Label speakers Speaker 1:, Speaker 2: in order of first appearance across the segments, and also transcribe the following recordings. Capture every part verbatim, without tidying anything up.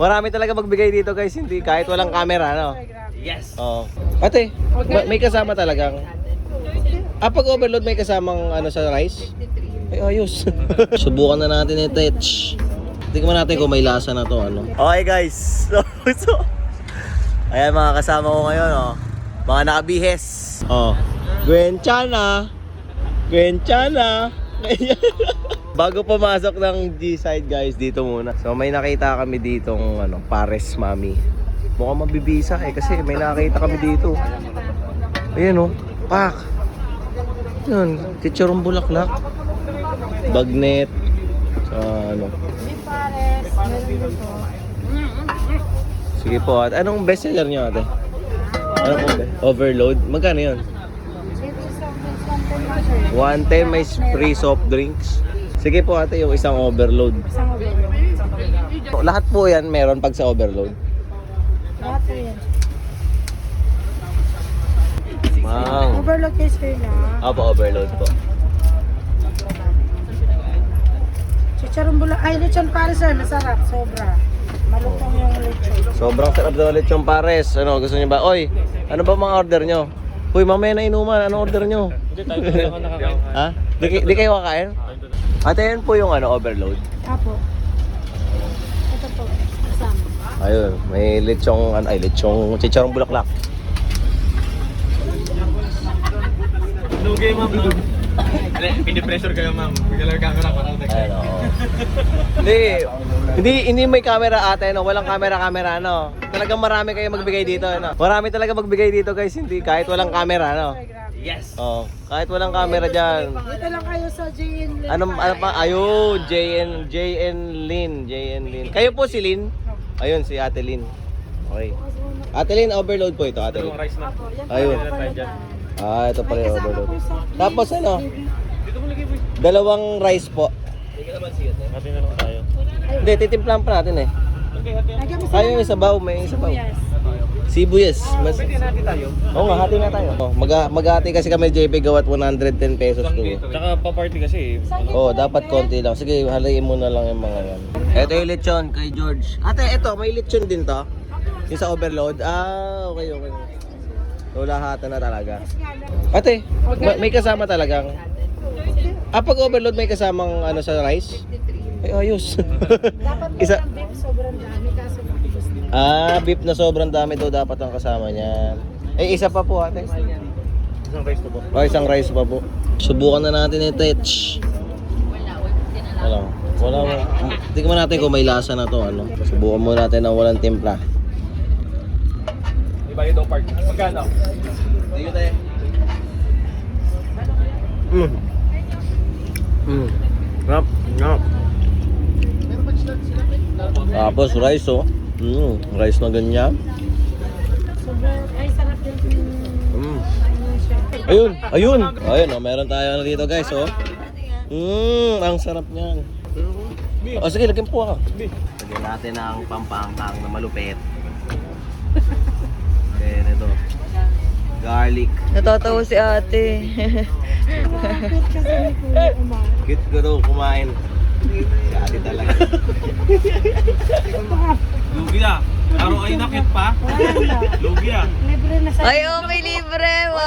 Speaker 1: Marami talaga magbigay dito guys, hindi kahit walang camera, no?
Speaker 2: Yes.
Speaker 1: Oo. Ate, ma- may kasama talagang. Ah, pag overload may kasamang ano sa rice? Ay, ayos. Subukan na natin ito, Tetch. Tingnan natin kung may lasa na to, ano. Okay guys. So, so ayan mga kasama ko ngayon, oh. Mga nakabihes. Oh. Gwenchana. Gwenchana. Bago pumasok ng G-side guys, dito muna. So may nakita kami ditong ano, Pares Mami. Mukhang mabibisa eh kasi may nakita kami dito. Ayan oh, pak. Yun, chichurong bulaklak. Bagnet. Sa ano.
Speaker 3: May pares, meron na po.
Speaker 1: Sige po, at anong bestseller nyo ate? Ano po ba? Overload? Magkano yun? one ten may free soft drinks. Sige po ate, yung isang overload.
Speaker 3: Isang overload.
Speaker 1: Lahat po yan meron pag sa overload.
Speaker 3: Lahat po yan.
Speaker 1: Wow.
Speaker 3: Overload kayo sir na.
Speaker 1: Opo, overload po.
Speaker 3: Chicharong bula. Ay, lechon pares sir. Masarap. Sobra. Malutong yung lechon.
Speaker 1: Sobrang sarap daw ulit yung pares. Ano, gusto niyo ba? Oy, ano ba mga order nyo? Uy, mamaya na inuman. Anong order nyo?
Speaker 2: Hindi tayo kailangan nakakain.
Speaker 1: Ha? Di, di kayo kakain? Ate, yan po yung ano, overload.
Speaker 3: Apo. Ito po. Kasama.
Speaker 1: Ayun, may lechong, ano, ay, lechong, chicharong bulaklak.
Speaker 2: Lugay, ma'am. Pinipressure kayo, ma'am. Bigla lang camera para sa
Speaker 1: Ayun, oo. Hindi, hindi, hindi may camera ate, no? Walang camera-camera, no? Talagang marami kayo magbigay dito, no? Marami talaga magbigay dito, guys, hindi, kahit walang camera, no?
Speaker 2: Yes.
Speaker 1: Oh, kahit walang camera dyan.
Speaker 3: Dito lang kayo sa J N.
Speaker 1: Ano, ano pa? Ayun, J N, J N Lin, J N Lin. Kayo po si Lin? Ayun, si Ate Lin. Okay. Ate Lin, overload po ito, Ate Lin.
Speaker 2: Yung rice na.
Speaker 3: Apo. Yan po.
Speaker 1: Ayun.
Speaker 3: Overload na.
Speaker 1: Ah, ito pala
Speaker 3: May
Speaker 1: yung
Speaker 3: kasama
Speaker 1: overload.
Speaker 3: po sa
Speaker 1: Tapos ano?
Speaker 2: Dito mo lagay, boy.
Speaker 1: Dalawang rice po.
Speaker 2: Hindi ka naman siya. Hati na lang tayo.
Speaker 1: Hindi, titimplahan pa natin eh.
Speaker 2: Okay, hati.
Speaker 3: Lagyan mo
Speaker 1: Ay, yung sabaw, may sabaw.
Speaker 3: Yes.
Speaker 1: Sibuyas. Mas...
Speaker 2: Pwede natin tayo.
Speaker 1: Oo nga, hati na tayo. Oh, mag mag-hati kasi kami J P gawat one hundred ten pesos to.
Speaker 2: Tsaka pa-party kasi eh.
Speaker 1: Oh, dapat konti lang. Sige, halayin mo na lang yung mga yan. Ito yung lechon kay George. Ate, ito, may lechon din to. Yung sa overload. Ah, okay, okay. So, lahatan na talaga. Ate, ma- may kasama talagang. Ah, pag overload may kasamang ano sa rice? Ay, ayos.
Speaker 3: Dapat
Speaker 1: Isa-
Speaker 3: Isa... beef sobrang dami kaso matibos din.
Speaker 1: Ah, beef na sobrang dami daw dapat ang kasama niya. Eh, isa pa po ate.
Speaker 2: Isang rice to po.
Speaker 1: O, isang rice pa po. Subukan na natin ito, Tetch. Wala. Wala. Tingnan natin kung may lasa na to, ano. Subukan muna natin ng walang timpla.
Speaker 2: Iba yung park. Magkano?
Speaker 1: Dito tayo. Mm. Mm. Ngap, ngap. Tapos rice, oh. Mm, rice na ganyan.
Speaker 3: Sobrang, ay sarap din yung
Speaker 1: Mm.
Speaker 3: ano siya.
Speaker 1: Ayun, ayun. Ayun, oh, meron tayo ano dito, guys, oh. Mmm, ang sarap niyan. O sige, lagyan po ako. Lagyan natin ang pampangkang na malupit. Then ito. Garlic.
Speaker 4: Natatawa si ate.
Speaker 3: Malapit kasi ni Kuya Umar.
Speaker 1: Cute ko daw kumain. Si ate talaga.
Speaker 2: Lugi ah. Araw ay nakit pa.
Speaker 3: Wala na.
Speaker 2: Lugi ah.
Speaker 3: Libre na sa
Speaker 4: Ay, oh, may libre. Wow.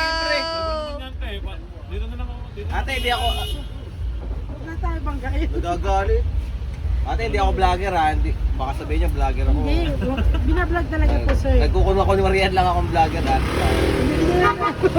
Speaker 2: Dito na lang ako. Dito.
Speaker 1: Ate, hindi ako...
Speaker 3: Huwag na tayo banggain.
Speaker 1: Nagagalit. Ate, hindi ako vlogger ha. Hindi, baka sabihin niya vlogger ako.
Speaker 3: Hindi, wag- binablog talaga po sir.
Speaker 1: Nagkukunwa ko ni Marian lang akong vlogger ha.
Speaker 3: Hindi na.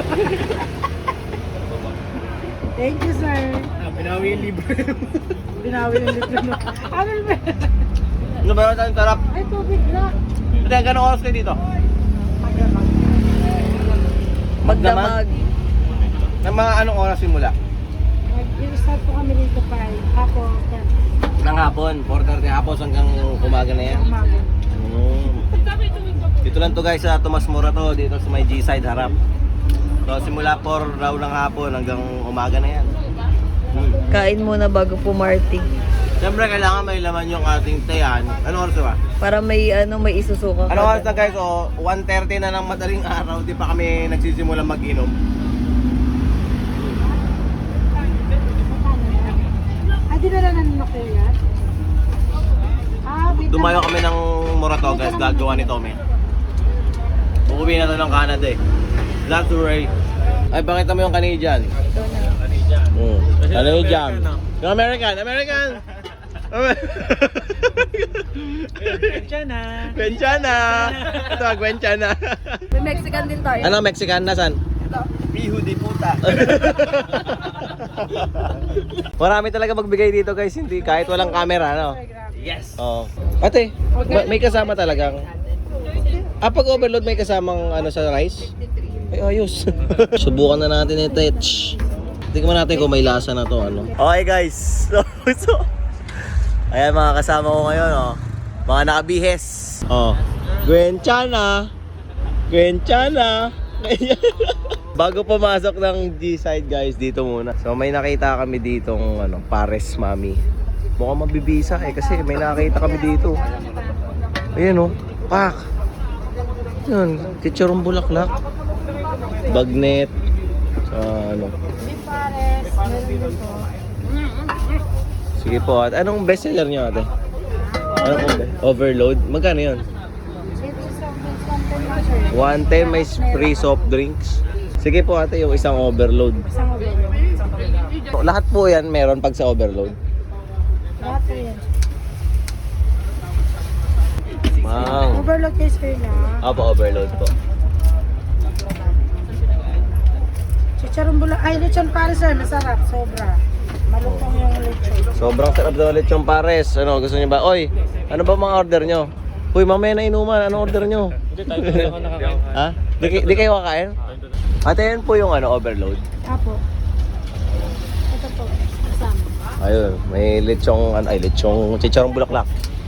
Speaker 3: Thank you sir.
Speaker 2: Ah, Binawi yung libre.
Speaker 3: Binawi yung libre mo. Ano ba?
Speaker 1: Ano ba yun? Ang sarap.
Speaker 3: Ay, tubig na.
Speaker 1: Ate, gano'ng oras kayo dito?
Speaker 3: Magdamag.
Speaker 4: Magdamag.
Speaker 1: Na mga anong oras simula?
Speaker 3: Mag-start po kami dito pa. Ako,
Speaker 1: Nang hapon, four thirty hapon hanggang umaga na yan.
Speaker 3: umaga.
Speaker 1: Mm. Dito lang to guys sa Tomas Morato, dito sa may G-side harap. So simula four raw ng hapon hanggang umaga na yan. Mm.
Speaker 4: Kain muna bago pumarty.
Speaker 1: Siyempre kailangan may laman yung ating tayan. Ano oras ba?
Speaker 4: Para may ano, may isusuka
Speaker 1: Ano
Speaker 4: ka.
Speaker 1: oras na guys? O one thirty na ng madaling araw, di pa kami nagsisimula mag-inom.
Speaker 3: Ay, dinala na nila kayo yan? Ah,
Speaker 1: dumayo kami ng Moratogas, gagawa ni Tome. Uuwi na to ng Canada eh. That's right. Ay, bakit mo yung Canadian? Mm. Canadian. Yung American, American!
Speaker 2: Gwenchana.
Speaker 1: Gwenchana! Ito, Gwenchana.
Speaker 4: May Mexican din tayo.
Speaker 1: Ano, Mexican? Nasaan?
Speaker 2: Pihu di puta.
Speaker 1: Marami talaga magbigay dito guys, hindi kahit walang camera, no?
Speaker 2: Yes.
Speaker 1: Oo. Ate, ma- may kasama talagang. Ah, pag overload may kasamang ano sa rice? Ay, ayos. Subukan na natin ito, Tetch. Tingnan natin kung may lasa na to, ano. Okay guys, so, so ayan mga kasama ko ngayon, oh. Mga nakabihes. Oh. Gwenchana. Gwenchana. Bago pumasok ng G-side guys, dito muna. So may nakita kami ditong ano, Pares Mami. Mukhang mabibisa eh kasi may nakita kami dito. Ayan oh, pak. Yun, chichurong bulaklak. Bagnet. Sa ano.
Speaker 3: Pares, meron din po.
Speaker 1: Sige po, at anong bestseller niyo ate? Ano po ba? Overload? Magkano yun?
Speaker 3: Ito sa something lang sir.
Speaker 1: one ten may free soft drinks. Sige po ate, yung isang overload.
Speaker 3: Isang overload.
Speaker 1: Lahat po yan meron pag sa overload.
Speaker 3: Lahat po yan.
Speaker 1: Wow.
Speaker 3: Overload kayo sir na.
Speaker 1: Apo, overload po.
Speaker 3: Chicharon bula, ay lechon pares sir, masarap, sobra. Malutong yung lechon.
Speaker 1: Sobrang sarap daw ulit yung pares. Ano, gusto niyo ba? Oy, ano ba mga order nyo? Uy, mamaya na inuman. Ano order nyo?
Speaker 2: Hindi tayo hindi ako nakakain.
Speaker 1: Ha? Di, di kayo kakain? Ate, yan po yung ano, overload.
Speaker 3: Apo. Ito po, kasama.
Speaker 1: Ayun, may lechong, ano, ay, lechong, chicharong bulaklak.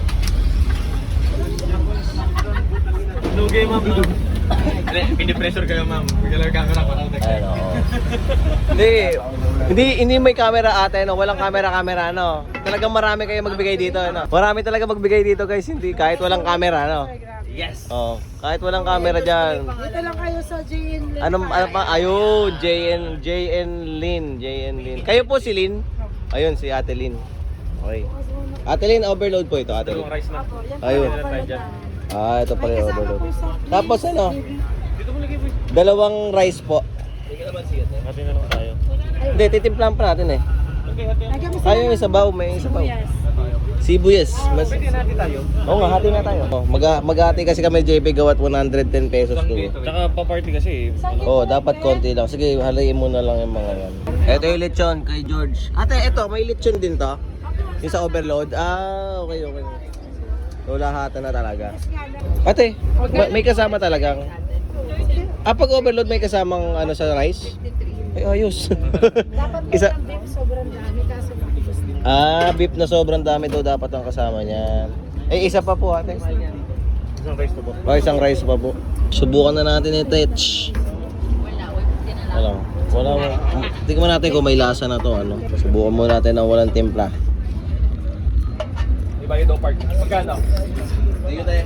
Speaker 2: Lugay, ma'am. Pinipressure kayo, ma'am. Bigla lang camera ko.
Speaker 1: Ayun, oo. Hindi, hindi, hindi may camera ate, no? Walang camera-camera, no? Talagang marami kayo magbigay dito, no? Marami talaga magbigay dito, guys, hindi, kahit walang camera, no?
Speaker 2: Yes.
Speaker 1: Oh, kahit walang camera dyan.
Speaker 3: Dito lang kayo sa J N Lin.
Speaker 1: Ano, ano pa? Ayun, J N, J N Lin, J N Lin. Kayo po si Lin? Ayun, si Ate Lin. Okay. Ate Lin, overload po ito, Ate Lin.
Speaker 2: Dalawang rice na.
Speaker 3: Apo, yan po
Speaker 1: Ayun.
Speaker 3: ang overload.
Speaker 1: Ah, ito pala yung overload. Tapos ano?
Speaker 2: Dito mo lagi, boy.
Speaker 1: Dalawang rice po.
Speaker 2: Hati na lang tayo.
Speaker 1: Hindi, titimplahan pa natin eh.
Speaker 2: Okay, hati.
Speaker 3: Lagyan mo
Speaker 1: Ayun, yung sabaw, may sabaw.
Speaker 3: Yes.
Speaker 1: Sibuyas. Mas...
Speaker 2: Pwede na hati tayo.
Speaker 1: Oo nga, hati na tayo. Oh, mag maghati kasi kami J P gawat one hundred ten pesos to.
Speaker 2: Tsaka pa-party kasi eh.
Speaker 1: Oo, oh, dapat konti lang. Sige, halayin mo na lang yung mga yan. Ito yung lechon kay George. Ate, ito, may lechon din to. Yung sa overload. Ah, okay, okay. So, lahatan na talaga. Ate, ma- may kasama talagang. Ah, pag overload may kasamang ano sa rice? Ay, ayos.
Speaker 3: Dapat
Speaker 1: Isa-
Speaker 3: Isa... beef, sobrang dami kaso mabibos din.
Speaker 1: Ah, beef na sobrang dami daw dapat ang kasama niya. Eh, isa pa po ate.
Speaker 2: Isang rice to po.
Speaker 1: O, isang rice pa po. Subukan na natin ito, Tetch. Wala. Wala. Tingnan natin kung may lasa na to, ano. Subukan muna natin ng walang timpla.
Speaker 2: Di ba yung dog park? Magkano?
Speaker 1: Dito tayo.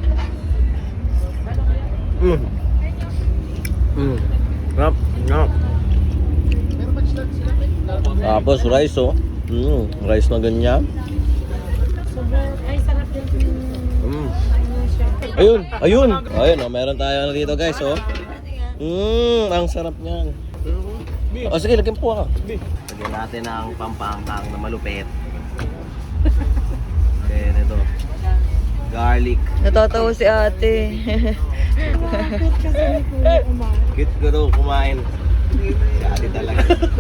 Speaker 1: Mm. Mm. Ngap, ngap. Tapos rice, oh. Mm, rice na ganyan.
Speaker 3: Sobrang, ay sarap din yung...
Speaker 1: Mm.
Speaker 3: Ano siya.
Speaker 1: Ayun, ayun. Ayun, oh, meron tayo ano dito, guys, oh. Mmm, ang sarap niyan. O sige, lagyan po ako. Lagyan natin ang pampangkang na malupit. Then ito. Garlic.
Speaker 4: Natatawa si ate.
Speaker 3: Kapit kasi ni Kuya Umar.
Speaker 1: Cute ko daw kumain. Si ate talaga.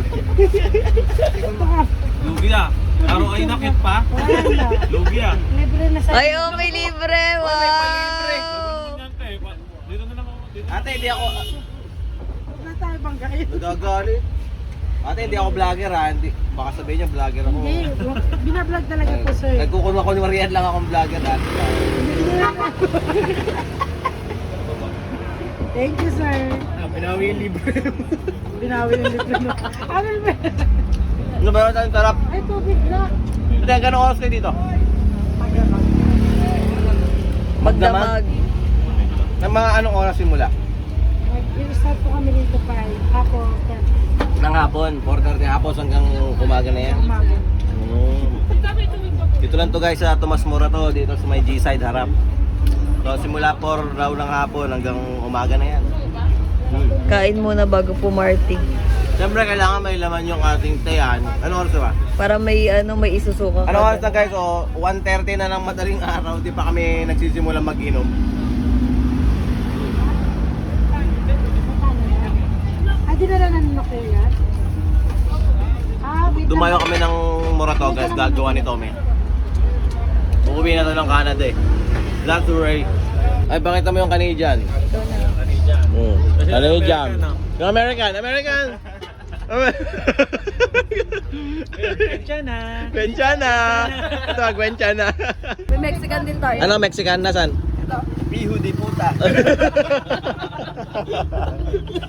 Speaker 2: Lugi ah. Araw ay nakit pa.
Speaker 3: Wala na.
Speaker 2: Lugi ah.
Speaker 3: Libre na sa...
Speaker 4: Ay, oh, may libre. Wow.
Speaker 2: Dito na lang ako. Dito.
Speaker 1: Ate, hindi ako...
Speaker 3: Huwag na tayo banggain.
Speaker 1: Nagagalit. Ate, hindi ako vlogger ha. Hindi, baka sabihin niya vlogger ako.
Speaker 3: Hindi, wag- binablog talaga po sir.
Speaker 1: Nagkukunwa ko ni Marian lang akong vlogger ha.
Speaker 3: Hindi na Thank you sir.
Speaker 2: Ah, pinawi yung libre.
Speaker 3: Binawi yung libre mo. Ano ba?
Speaker 1: Ano ba yun? Ang sarap.
Speaker 3: Ay, tubig na.
Speaker 1: Ate, gano'ng oras kayo dito?
Speaker 3: Magdamag.
Speaker 4: Magdamag.
Speaker 1: Ng mga anong oras simula?
Speaker 3: Mag-start po kami dito pa. Ako, ten.
Speaker 1: Ng hapon, four thirty hapon hanggang umaga na yan.
Speaker 3: Umaga.
Speaker 1: Mm. Dito lang to guys sa Tomas Morato, dito sa may G-side harap. So simula four raw ng hapon hanggang umaga na yan. Hmm.
Speaker 4: Kain muna bago pumarty.
Speaker 1: Siyempre kailangan may laman yung ating tayan. Ano oras ba?
Speaker 4: Para may ano may isusuka ka.
Speaker 1: Ano oras na guys? O one thirty na ng madaling araw, di pa kami nagsisimula mag-inom.
Speaker 3: Ay, di na lang nanunok yun yan? Ah, wait
Speaker 1: Dumayo kami ng Morato guys, gagawa ni Tommy. Uuwi na to ng Canada eh. That's right. Ay, pakita mo yung Canadian. Mm. Canadian. Yung American, American!
Speaker 2: Gwenchana.
Speaker 1: Gwenchana! Ito, Gwenchana.
Speaker 4: May Mexican din tayo.
Speaker 1: Ano, Mexican? Nasaan?
Speaker 2: Bihu di puta.